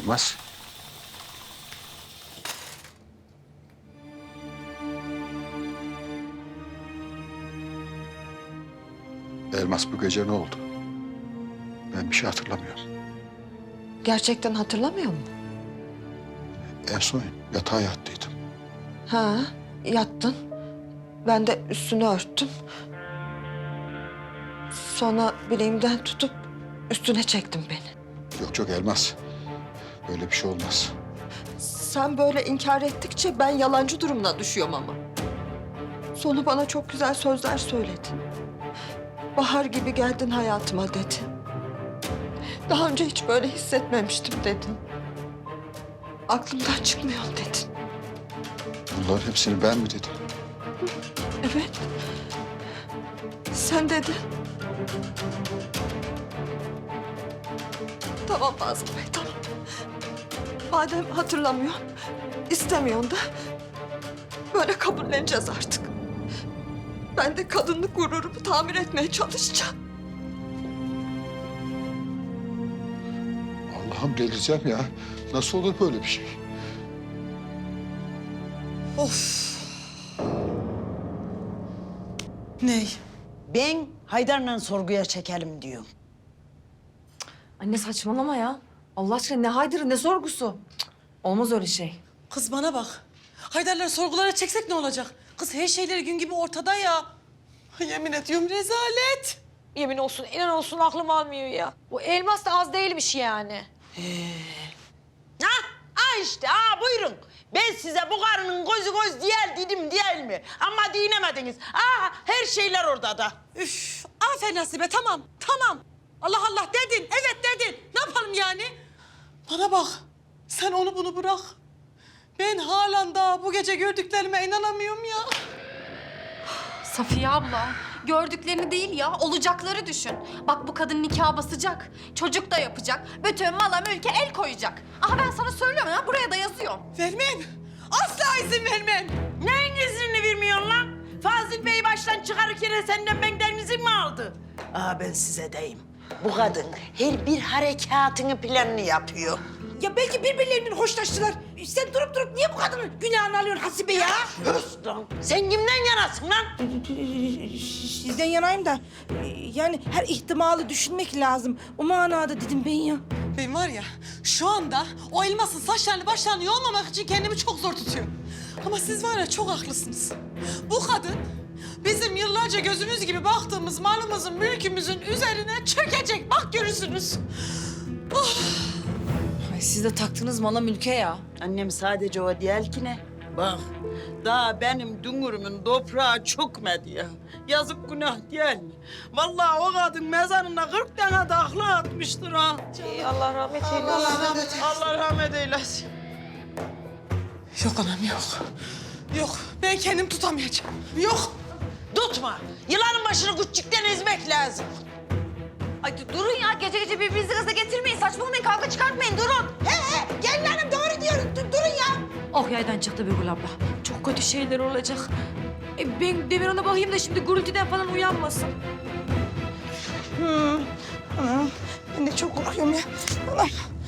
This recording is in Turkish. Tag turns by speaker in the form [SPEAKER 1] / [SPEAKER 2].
[SPEAKER 1] Elmas. Elmas bu gece ne oldu? Ben bir şey hatırlamıyorum.
[SPEAKER 2] Gerçekten hatırlamıyor musun?
[SPEAKER 1] En son yatağa yattıydım.
[SPEAKER 2] Ha, yattın. Ben de üstünü örttüm. Sonra bileğimden tutup üstüne çektim beni.
[SPEAKER 1] Yok Elmas. Böyle bir şey olmaz.
[SPEAKER 2] Sen böyle inkar ettikçe ben yalancı durumuna düşüyorum ama. Sonu bana çok güzel sözler söyledin. Bahar gibi geldin hayatıma dedin. Daha önce hiç böyle hissetmemiştim dedin. Aklımdan çıkmıyor dedin.
[SPEAKER 1] Bunların hepsini ben mi dedim?
[SPEAKER 2] Evet. Sen dedin. Tamam Fazıl Bey, tamam. Madem hatırlamıyorsun, istemiyorsun da böyle kabulleneceğiz artık. Ben de kadınlık gururumu tamir etmeye çalışacağım.
[SPEAKER 1] Allah'ım delireceğim ya. Nasıl olur böyle bir şey?
[SPEAKER 3] Of. Ney?
[SPEAKER 4] Ben Haydar'la sorguya çekelim diyorum.
[SPEAKER 5] Anne saçmalama ya. Allah aşkına ne Haydar'ı ne sorgusu. Cık, olmaz öyle şey.
[SPEAKER 3] Kız bana bak. Haydar'ları sorgulara çeksek ne olacak? Kız her şeyleri gün gibi ortada ya. Ay, yemin ediyorum rezalet.
[SPEAKER 6] Yemin olsun, inan olsun aklım almıyor ya. Bu elmas da az değilmiş yani.
[SPEAKER 4] İşte buyurun. Ben size bu karının gözü göz değil dedim değil mi? Ama dinemediniz. Her şeyler orada da.
[SPEAKER 3] Üf, aferin Hasibe, tamam, tamam. Allah Allah dedin, evet dedin. Ne yapalım yani? Bana bak, sen onu bunu bırak. Ben halen daha bu gece gördüklerime inanamıyorum ya.
[SPEAKER 7] Safiye abla, gördüklerini değil ya, olacakları düşün. Bak bu kadın nikah basacak, çocuk da yapacak, bütün mala mülke el koyacak. Aha ben sana söylüyorum ya, buraya da yazıyorum.
[SPEAKER 3] Vermem, asla izin vermem.
[SPEAKER 4] Neyin iznini vermiyorsun lan? Fazıl Bey'i baştan çıkarırken senden benden izin mi aldı? Ben size deyim. Bu kadın her bir harekatını planını yapıyor.
[SPEAKER 8] Ya belki birbirlerinden hoşlaştılar. Sen durup durup niye bu kadının günahını alıyorsun Hasibe ya?
[SPEAKER 4] Höst lan! Sen kimden yanasın lan?
[SPEAKER 8] Sizden yanayım da yani her ihtimali düşünmek lazım. O manada dedim ben ya.
[SPEAKER 3] Ben var ya şu anda o elmasın saçlarını başlarını yolmamak için kendimi çok zor tutuyorum. Ama siz var ya çok haklısınız. Bu kadın bizim yıllarca gözümüz gibi baktığımız malımızın, mülkümüzün üzerine çökecek. Bak görürsünüz.
[SPEAKER 5] Ay siz de taktınız mala mülke ya.
[SPEAKER 4] Annem sadece o değil ki ne? Bak, daha benim dünürümün toprağı çökmedi ya. Yazık günah değil mi? Vallahi o kadın mezarına 40 tane takla atmıştır ha.
[SPEAKER 6] Allah rahmet eylesin.
[SPEAKER 4] Allah rahmet eylesin.
[SPEAKER 3] Yok anam yok. Yok ben kendim tutamayacağım. Yok.
[SPEAKER 4] Tutma. Yılanın başını küçükten ezmek lazım.
[SPEAKER 7] Ay durun ya, gece gece birbirinizi gaza getirmeyin, saçmalamayın, kavga çıkartmayın, durun.
[SPEAKER 8] Gelin hanım doğru diyorum. Durun ya.
[SPEAKER 5] Oh yaydan çıktı Birgül abla. Çok kötü şeyler olacak. Ben Demirhan'a bakayım da şimdi gürültüden falan uyanmasın.
[SPEAKER 8] Anam ben de çok korkuyorum ya. Anam.